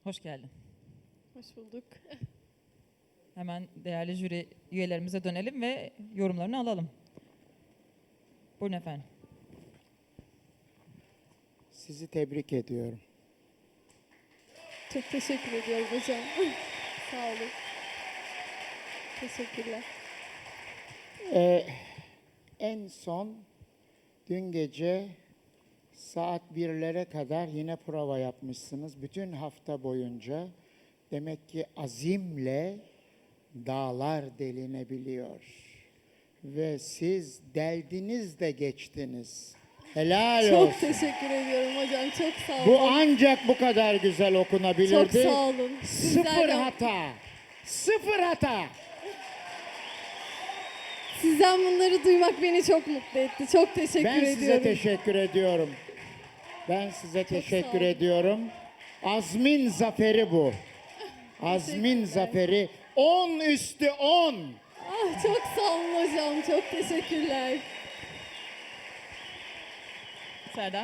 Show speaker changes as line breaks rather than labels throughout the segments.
Hoş geldin.
Hoş bulduk.
Hemen değerli jüri üyelerimize dönelim ve yorumlarını alalım. Buyurun efendim.
Sizi tebrik ediyorum.
Çok teşekkür ediyorum hocam. Sağ olun. Teşekkürler.
En son dün gece saat 1'lere kadar yine prova yapmışsınız. Bütün hafta boyunca demek ki azimle dağlar delinebiliyor. Ve siz deldiniz de geçtiniz. Helal olsun.
Çok teşekkür ediyorum hocam. Çok sağ olun.
Bu ancak bu kadar güzel okunabilirdi.
Çok sağ olun.
Sıfır hata. Sıfır hata.
Sizden bunları duymak beni çok mutlu etti. Çok teşekkür
Ben
ediyorum.
size teşekkür ediyorum. Ben size
sağ
teşekkür
olun.
ediyorum. Azmin zaferi bu. Azmin
Teşekkürler.
zaferi 10 üstü 10.
Ah, çok sağ olun hocam. Çok teşekkürler.
Serdar.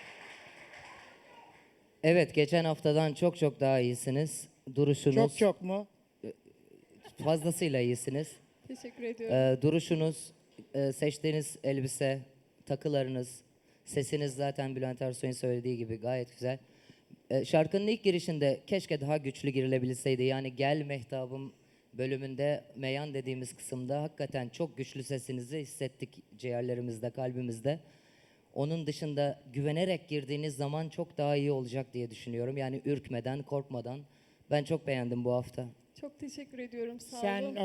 Evet, geçen haftadan çok çok daha iyisiniz. Duruşunuz
Çok mu?
fazlasıyla iyisiniz.
Teşekkür ediyorum.
Duruşunuz, seçtiğiniz elbise, takılarınız, sesiniz zaten Bülent Ersoy'un söylediği gibi gayet güzel. Şarkının ilk girişinde keşke daha güçlü girilebilseydi. Yani Gel Mehtabım bölümünde meyan dediğimiz kısımda hakikaten çok güçlü sesinizi hissettik ciğerlerimizde, kalbimizde. Onun dışında güvenerek girdiğiniz zaman çok daha iyi olacak diye düşünüyorum. Yani ürkmeden, korkmadan. Ben çok beğendim bu hafta.
Çok teşekkür ediyorum. Sağ
Sen
olun.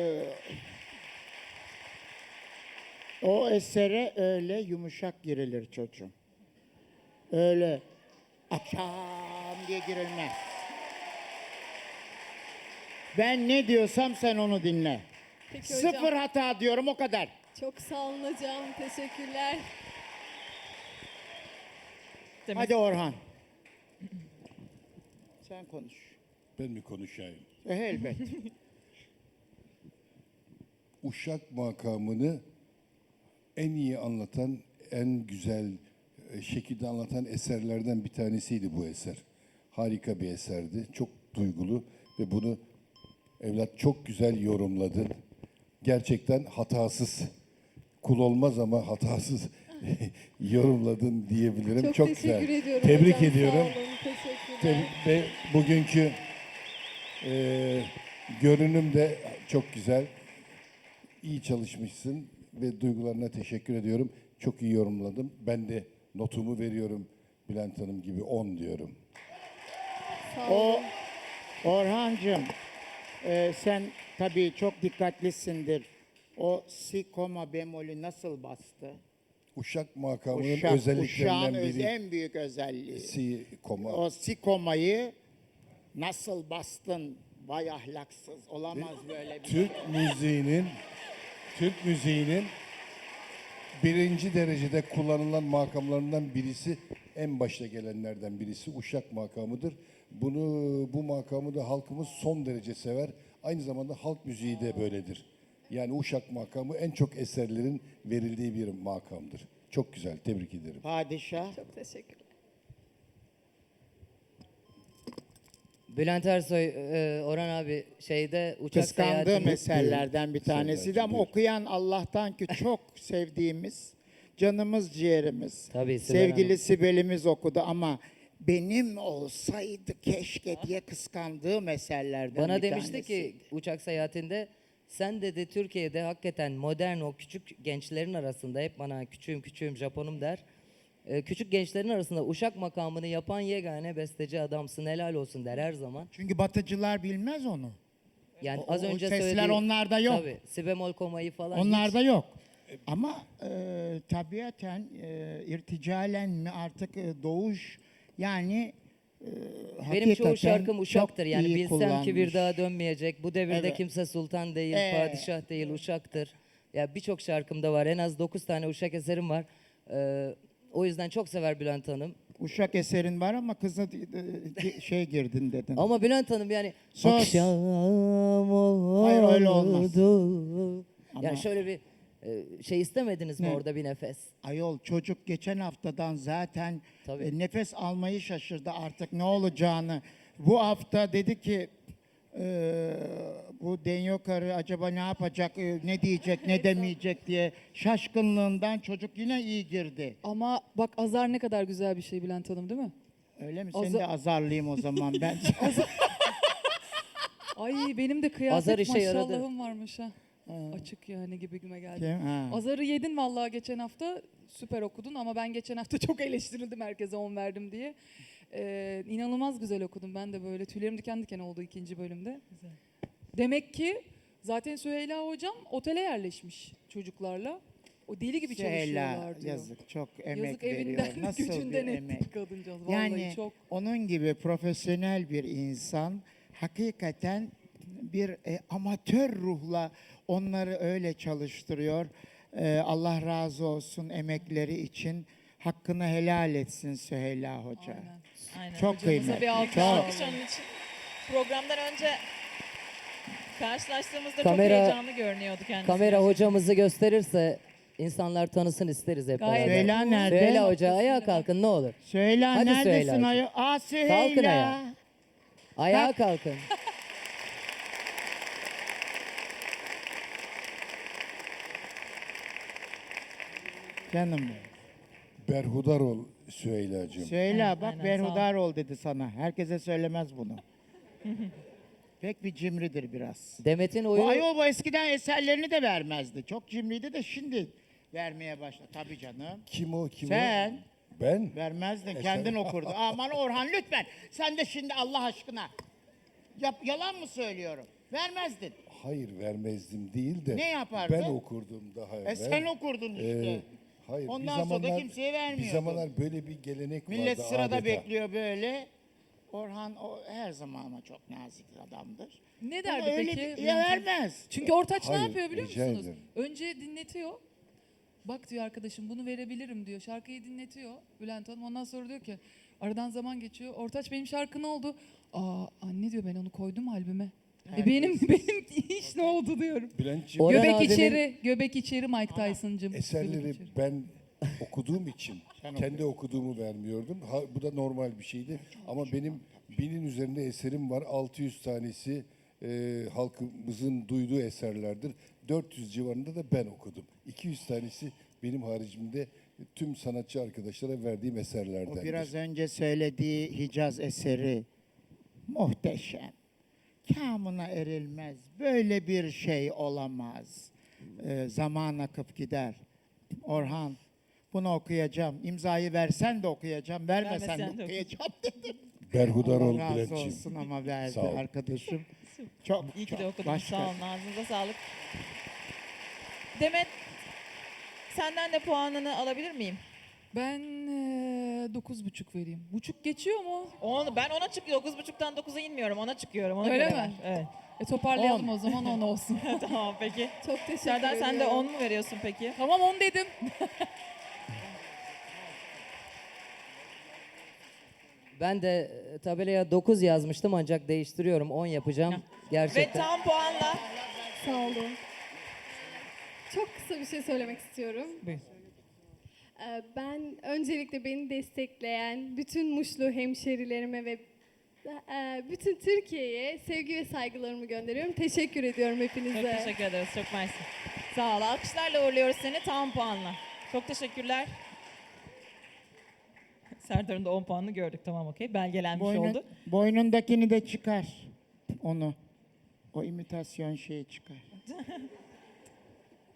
o esere öyle yumuşak girilir çocuğum. Öyle akşam diye girilmez. Ben ne diyorsam sen onu dinle.
Peki hocam.
Sıfır hata diyorum, o kadar.
Çok sağ olun hocam. Teşekkürler.
Temiz.
Hadi Orhan. Sen konuş.
Ben mi konuşayım?
Elbet.
Uşak makamını en iyi anlatan, en güzel şekilde anlatan eserlerden bir tanesiydi bu eser. Harika bir eserdi. Çok duygulu ve bunu evlat çok güzel yorumladın. Gerçekten hatasız. Kul olmaz ama hatasız yorumladın diyebilirim. Çok
teşekkür
güzel.
ediyorum
Tebrik
hocam.
ediyorum.
Sağ olun. Teşekkürler.
Ve bugünkü görünüm de çok güzel. İyi çalışmışsın ve duygularına teşekkür ediyorum. Çok iyi yorumladım. Ben de notumu veriyorum Bülent Hanım gibi 10 diyorum.
Sağ
O
olun.
Orhancığım, sen tabii çok dikkatlisindir. O si koma bemolü nasıl bastı?
Uşak makamının
Uşağın
özelliklerinden biri
en büyük özelliği.
si koma.
O si komayı nasıl bastın? Vay ahlaksız. Olamaz böyle bir şey.
Türk müziğinin birinci derecede kullanılan makamlarından birisi, en başta gelenlerden birisi Uşak makamıdır. Bu makamı da halkımız son derece sever. Aynı zamanda halk müziği de böyledir. Yani Uşak makamı en çok eserlerin verildiği bir makamdır. Çok güzel, tebrik ederim.
Padişah.
Çok teşekkürler.
Bülent Ersoy, Orhan abi şeyde uçak
Kıskandığım
seyahati...
eserlerden bir tanesiydi ama
buyur.
okuyan Allah'tan ki çok sevdiğimiz, canımız ciğerimiz,
Tabii, Sibel
sevgili
Hanım.
Sibel'imiz okudu ama benim olsaydı keşke diye kıskandığım eserlerden
Bana
bir
demişti
tanesiydi.
ki uçak seyahatinde sen dedi Türkiye'de hakikaten modern o küçük gençlerin arasında hep bana küçüğüm Japonum der. Küçük gençlerin arasında Uşak makamını yapan yegane besteci adamsın helal olsun der her zaman.
Çünkü batıcılar bilmez onu.
Yani
O
az önce
sesler
söylediği...
onlarda yok.
Tabii si bemol komayı falan
Onlarda
hiç...
yok. Ama tabiaten irticalen mi artık doğuş yani
Benim çoğu
hakikaten
şarkım
çok
Uşak'tır. Yani
iyi
bilsem ki bir
kullanmış.
daha dönmeyecek. Bu devirde
Evet.
kimse sultan değil,
Evet.
padişah değil, Uşak'tır. Ya birçok şarkımda var. En az 9 tane Uşak eserim var. O yüzden çok sever Bülent Hanım.
Uşak eserin var ama kızı şey girdin dedin.
Ama Bülent Hanım yani
Sus.
akşam oldu.
Hayır, öyle olmaz. Ama-
Yani şöyle bir şey istemediniz mi
Ne?
orada bir nefes?
Ayol çocuk geçen haftadan zaten
Tabii.
nefes almayı şaşırdı artık ne olacağını. Bu hafta dedi ki bu Denyo karı acaba ne yapacak, ne diyecek, ne demeyecek diye şaşkınlığından çocuk yine iyi girdi.
Ama bak azar ne kadar güzel bir şey Bülent Hanım değil mi?
Öyle mi? Seni de azarlayayım o zaman ben.
Ay benim de
Azar
kıyafet
işe yaradı.
maşallahım varmış ha. Açık yani gibime geldi.
Kim? Ha.
Azarı yedin vallahi geçen hafta süper okudun ama ben geçen hafta çok eleştirildim herkese 10 verdim diye. İnanılmaz güzel okudum ben de böyle tüylerim diken diken oldu ikinci bölümde. Demek ki zaten Süheyla hocam otele yerleşmiş çocuklarla. O deli gibi
Süheyla,
çalışıyorlar diyor.
yazık, çok emek
Yazık
veriyor.
evinden
Nasıl
gücünden
bir emek?
etti kadıncağız. Vallahi
Yani
çok.
onun gibi profesyonel bir insan hakikaten bir amatör ruhla onları öyle çalıştırıyor. Allah razı olsun emekleri için. Hakkını helal etsin Süheyla Hoca.
Aynen.
Aynen.
Çok
Hocamıza
kıymetli.
bir alkış
Çok.
Alkış onun için. Programdan önce karşılaştığımızda
Kamera-
çok heyecanlı görünüyordu kendisi.
Kamera hocamızı gösterirse insanlar tanısın isteriz hep
Gayet.
beraber.
Süheyla nerede?
Süheyla Hoca ayağa kalkın ne olur.
Süheyla
Hadi
neredesin
Süheyla'cığım.
ayol? Aa Süheyla.
Kalkın ayağa. Ayağa kalkın.
Canım benim.
Berhudar ol Süheyla'cığım.
Süheyla bak
aynen, sağ ol.
berhudar ol dedi sana. Herkese söylemez bunu. Pek bir cimridir biraz.
Demet'in
Bu
oyunu
ayol bu eskiden eserlerini de vermezdi. Çok cimriydi de şimdi vermeye başladı. Tabii canım.
Kim o? Kim
Sen.
o? Ben?
Vermezdin. Kendin okurdun. Aman Orhan lütfen. Sen de şimdi Allah aşkına. Yalan mı söylüyorum? Vermezdin.
Hayır vermezdim değil de.
Ne yapardın?
Ben okurdum daha evvel.
Sen okurdun işte.
Hayır.
Ondan sonra da kimseye
Bir
vermiyordun.
zamanlar böyle bir gelenek
Millet
vardı
sırada
adeta.
bekliyor böyle. Orhan o her zaman ama çok nazik adamdır.
Ne
Ama
derdi
öyle
peki?
ya vermez.
Çünkü Ortaç ne
Hayır,
yapıyor biliyor
rica
musunuz?
ederim.
Önce dinletiyor. Bak diyor arkadaşım bunu verebilirim diyor. Şarkıyı dinletiyor Bülent Hanım. Ondan sonra diyor ki aradan zaman geçiyor. Ortaç benim şarkı ne oldu? Aa anne diyor ben onu koydum albüme. Benim iş ne oldu diyorum.
Bülent'ciğim
Orhan
Göbek
abinin-
içeri, göbek içeri Mike Tyson'cım. Göbek
eserleri
içeri.
ben okuduğum için kendi okuduğumu vermiyordum. Bu da normal bir şeydi. Ama benim 1000'in üzerinde eserim var. 600 tanesi halkımızın duyduğu eserlerdir. 400 civarında da ben okudum. 200 tanesi benim haricimde tüm sanatçı arkadaşlara verdiğim eserlerden.
O biraz önce söylediği Hicaz eseri muhteşem. Kamına erilmez. Böyle bir şey olamaz. Zaman akıp gider. Orhan bunu okuyacağım. İmzayı versen de okuyacağım. Vermesen
Vermesen
de
de
okuyacağım dedim.
Berhudar ol
Allah razı
Bülent'ciğim.
olsun ama verdi
Sağ ol.
arkadaşım. Çok
İyi ki
çok
de okudunuz.
başka.
Sağ olun. Ağzınıza sağlık. Demet, senden de puanını alabilir miyim?
Ben 9,5 vereyim. Buçuk geçiyor mu?
Ben ona çıkıyorum. 9.5'tan 9'a inmiyorum. Ona çıkıyorum. Ona
Öyle
göre
mi?
ver. Evet.
Toparlayalım o zaman 10 olsun.
Tamam peki.
Çok teşekkür
Serdar sen de
ediyorum.
10 mu veriyorsun peki?
Tamam 10 dedim.
ben de tabelaya 9 yazmıştım ancak değiştiriyorum 10 yapacağım.
Ve
Gerçekten.
tam puanla.
Sağ olun. Çok kısa bir şey söylemek istiyorum.
Buyur.
Ben öncelikle beni destekleyen bütün Muşlu hemşerilerime ve bütün Türkiye'ye sevgi ve saygılarımı gönderiyorum. Teşekkür ediyorum hepinize.
Çok teşekkür ederiz. Çok mersi. Sağ ol. Alkışlarla uğurluyoruz seni tam puanla. Çok teşekkürler. Serdar'ın da 10 puanını gördük. Tamam okey. Belgelenmiş oldu.
Boynundakini de çıkar. Onu. O imitasyon şeyi çıkar.